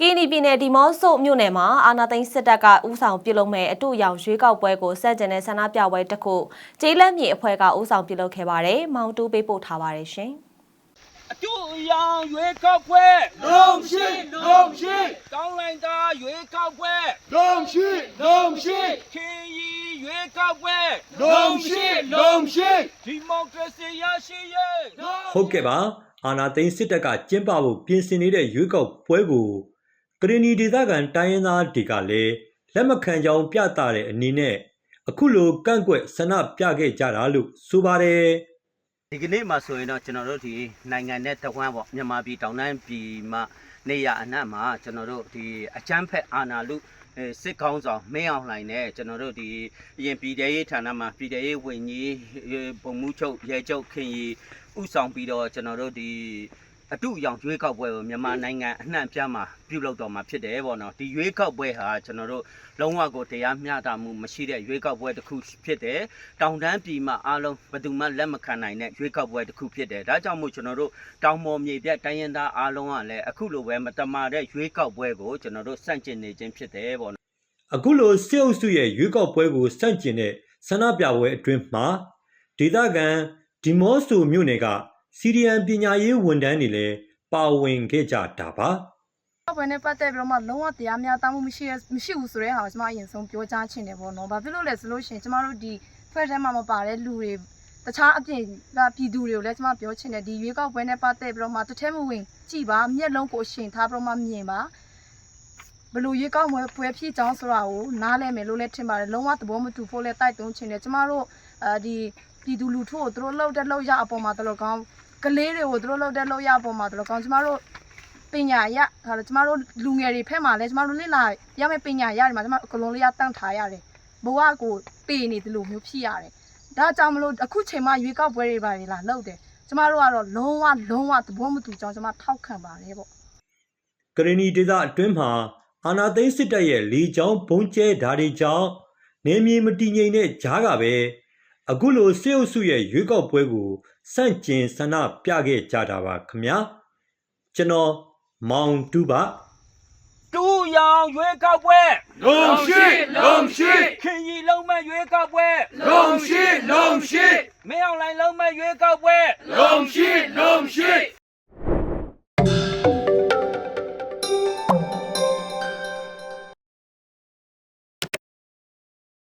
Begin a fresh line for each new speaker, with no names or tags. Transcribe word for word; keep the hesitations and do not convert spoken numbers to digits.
ကီနီပြည်နယ်ဒီမော့ဆိုမြို့နယ်မှာအာနာသိန်းစစ်တပ်ကဥဆောင်ပြုလုပ်မဲ့အတူရောင်ရွေးကောက်ပွဲကိုစက်ကျင်တဲ့ဆန္ဒပြပွဲတစ်ခုကျေးလက်မြေအဖွဲ့ကဥဆောင်ပြုလုပ်ခဲ့ပါတယ်။မောင်တူပေးပို့ထားပါတယ်ရှင်။
အတူရောင်ရွေးကောက်ပွဲ
လုံးရှိလုံးရှိ
ကောင်းလိုက်တာရွေးကောက်ပွဲ
လုံးရှိလုံးရှိ
ခင်ရီရွေးကောက်ပွဲ
လုံးရှိလုံးရှိ
ဒီမိုကရေစီရရှိရေး
ဟုတ်ကဲ့ပါအာနာသိန်းစစ်တပ်ကကျင်းပဖို့ပြင်ဆင်နေတဲ့ရွေးကောက်ပွဲကိုကရင်နီဒေသခံတိုင်းရင်းသားတွေကလည်းလက်မခံကြောင်းပြသတဲ့အနေနဲ့အခုလိုကန့်ကွက်ဆန္ဒပြခဲ့ကြတာလို့ဆိုပါတယ်
ဒီကနေ့မှာဆိုရင်တော့ကျွန်တော်တို့ဒီနိုင်ငံနဲ့တဝမ်းပေါ့မြန်မာပြည်တောင်တန်းပြည်မှာနေရအနှံ့မှာကျွန်တော်တို့ဒီအချမ်းဖက်အာဏာလုစစ်ကောင်းဆောင်မင်းအောင်လှိုင်နဲ့ကျွန်တော်တို့ဒီအရင်ပြည်ထရေးဌာနမှာပြည်ထရေးဝန်ကြီးပုံမှုချုပ်ရဲချုပ်ခင်ရီဥဆောင်ပြီးတော့ကျွန်တော်တို့ဒီအတူရောင်ရွေးကောက်ပွဲကိုမြန်မာနိုင်ငံအနှံ့ပြားမှာပြုလုပ်တော်မှာဖြစ်တယ်ပေါ့နော်ဒီရွေးကောက်ပွဲဟာကျွန်တော်တို့လုံးဝကိုတရားမျှတမှုမရှိတဲ့ရွေးကောက်ပွဲတစ်ခုဖြစ်တယ်တောင်တန်းပြည်မှာအားလုံးဘယ်သူမှလက်မခံနိုင်တဲ့ရွေးကောက်ပွဲတစ်ခုဖြစ်တယ်ဒါကြောင့်မို့ကျွန်တော်တို့တောင်ပေါ်မြေပြတိုင်းရင်းသားအားလုံးကလည်းအခုလိုပဲမတမာတဲ့ရွေးကောက်ပွဲကိုကျွန်တော်တို့စန့်ကျင်နေခြင်းဖြစ်တယ်ပေါ့နော်
အခုလိုစစ်အုပ်စုရဲ့ရွေးကောက်ပွဲကိုစန့်ကျင်တဲ့ဆန္ဒပြပွဲအတွင်းမှာဒေသခံဒီမော့ဆိုမြို့နယ်ကစီရီယန်ပညာရေးဝန်ထမ်းတွေလည်းပါဝင်ခဲ့ကြတာပါ
ဘယ်နဲ့ပတ်သက်ပြီးတော့မှလုံးဝတရားမျှတမှုမရှိမရှိဘူးဆိုတဲ့ဟာကိုကျွန်မအရင်ဆုံးပြောကြားချင်တယ်ပေါ့နော်။ဘာဖြစ်လို့လဲဆိုလို့ရှိရင်ကျွန်မတို့ဒီဖက်ထဲမှာမပါတဲ့လူတွေတခြားအပြင်ကပြည်သူတွေကိုလည်းကျွန်မပြောချင်တယ်ဒီရွေးကောက်ပွဲနဲ့ပတ်သက်ပြီးတော့မှတစ်ထဲမဝင်ကြည်ပါမျက်လုံးကိုရှင်ထားပြီးတော့မှမြင်ပါဘလို့ရွေးကောက်ပွဲပွဲဖြစ်ကြောင်းဆိုတာကိုနားလဲမယ်လို့လည်းထင်ပါတယ်လုံးဝသဘောမတူဖို့လည်းတိုက်တွန်းချင်တယ်ကျွန်မတို့အဲဒီပြည်သူလူထုကိုသူတို့လှုပ်တဲ့လှုပ်ရအပေါ်မှာတော်တော်ကောင်းကလေးတွေကိုသူတို့လှုပ်တဲ့လှုပ်ရအပေါ်မှာတော်တော်ကောင်းကျွန်မတို့ပညာရဟာကျမတို့လူငယ်တွေဖက်မှာလဲကျမတို့လေ့လာရမယ့်ပညာရတွေမှာကျမတို့အကလုံးလေးရတန့်ထားရတယ်ဘဝကိုပေနေတယ်လို့မျိုးဖြစ်ရတယ်ဒါကြောင့်မလို့အခုချိန်မှရွေးကောက်ပွဲတွေပါလေလာလှုပ်တယ်ကျမတို့ကတော့လုံးဝလုံးဝသဘောမတူကြောင်းကျမထောက်ခံပါတယ်ပေါ့
ကရင်နီဒေသအတွင်းမှာအာနာသိန်းစစ်တပ်ရဲ့လေကြောင်းဘုံကျဲဓာတ်တွေကြောင့်နေမြေမတည်ငြိမ်တဲ့ကြားကပဲအခုလိုစစ်အုပ်စုရဲ့ရွေးကောက်ပွဲကိုစန့်ကျင်ဆန္ဒပြခဲ့ကြတာပါခင်ဗျာကျွန်တော်မောင်တူပါ
တူရောင်ရွေးကောက်ပွဲ
လုံးရှိလုံးရှိ
ခင်ရီလုံးမဲ့ရွေးကောက်ပွဲ
လုံးရှိလုံးရှိ
မင်းအောင်လှိုင်လုံးမဲ့ရွေးကောက်ပွဲ
လုံးရှိလုံးရှိ